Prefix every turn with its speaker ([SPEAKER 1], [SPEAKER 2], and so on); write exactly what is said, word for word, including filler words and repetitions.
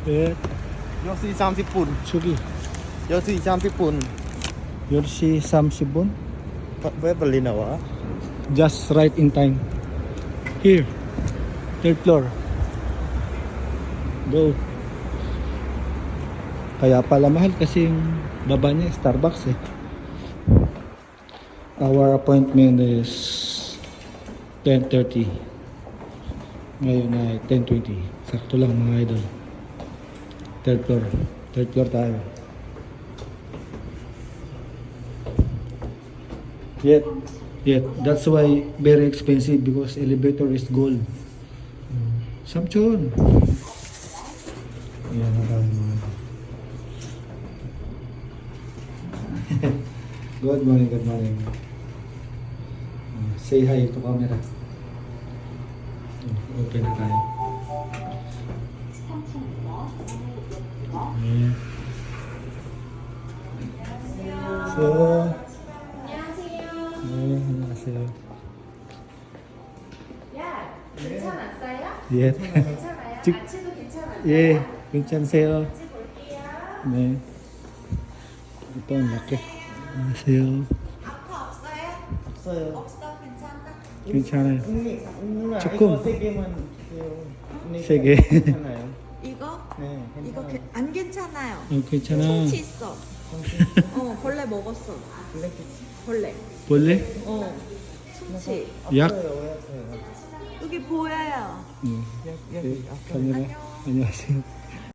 [SPEAKER 1] 예,
[SPEAKER 2] 여섯 시 삼십 분.
[SPEAKER 1] 저기
[SPEAKER 2] 여섯 시 삼십 분.
[SPEAKER 1] 열 시 삼십 분.
[SPEAKER 2] 왜 빨리 나와?
[SPEAKER 1] Just right in time. Here, third floor. Go. Kaya pala mahal kasi yung baba niya Starbucks eh. Our appointment is ten thirty. Ngayon ay ten twenty. Sakto lang mga idol. Third floor. Third floor tayo. Yet, yet, that's why very expensive because elevator is gold. Samchon. Yan ang kami mga. Good morning, good morning. Say hi to camera. Open na tayo. Yeah. So, 네, 안녕하세요.
[SPEAKER 3] 야, 괜찮았어요?
[SPEAKER 1] 예.
[SPEAKER 3] 괜찮아요?
[SPEAKER 1] 직-
[SPEAKER 3] 아침도 괜찮았어요?
[SPEAKER 1] 예, 괜찮으세요?
[SPEAKER 3] 같이 볼게요.
[SPEAKER 1] 네. ito ang laki. 안녕하세요.
[SPEAKER 3] 아파 없어요?
[SPEAKER 2] 없어요.
[SPEAKER 3] 없어, 괜찮아?
[SPEAKER 1] 괜찮아요.
[SPEAKER 2] 언니, 누나
[SPEAKER 1] 조금.
[SPEAKER 2] 이거 세 개만 주세요. 언니,
[SPEAKER 1] 세 개.
[SPEAKER 2] 괜찮아요?
[SPEAKER 3] 이거?
[SPEAKER 2] 네,
[SPEAKER 3] 이거
[SPEAKER 2] 괜찮아요.
[SPEAKER 3] 게, 안 괜찮아요.
[SPEAKER 1] 어, 괜찮아.
[SPEAKER 3] 솜치 있어. 어, 벌레 먹었어. 벌레.
[SPEAKER 1] 볼래?
[SPEAKER 3] 어, 솜치.
[SPEAKER 1] 약?
[SPEAKER 2] 아파요, 왜 아파요?
[SPEAKER 3] 여기 보여요.
[SPEAKER 1] 네.
[SPEAKER 2] 여기, 여기
[SPEAKER 1] 네,
[SPEAKER 2] 아파요.
[SPEAKER 1] 카메라. 안녕하세요.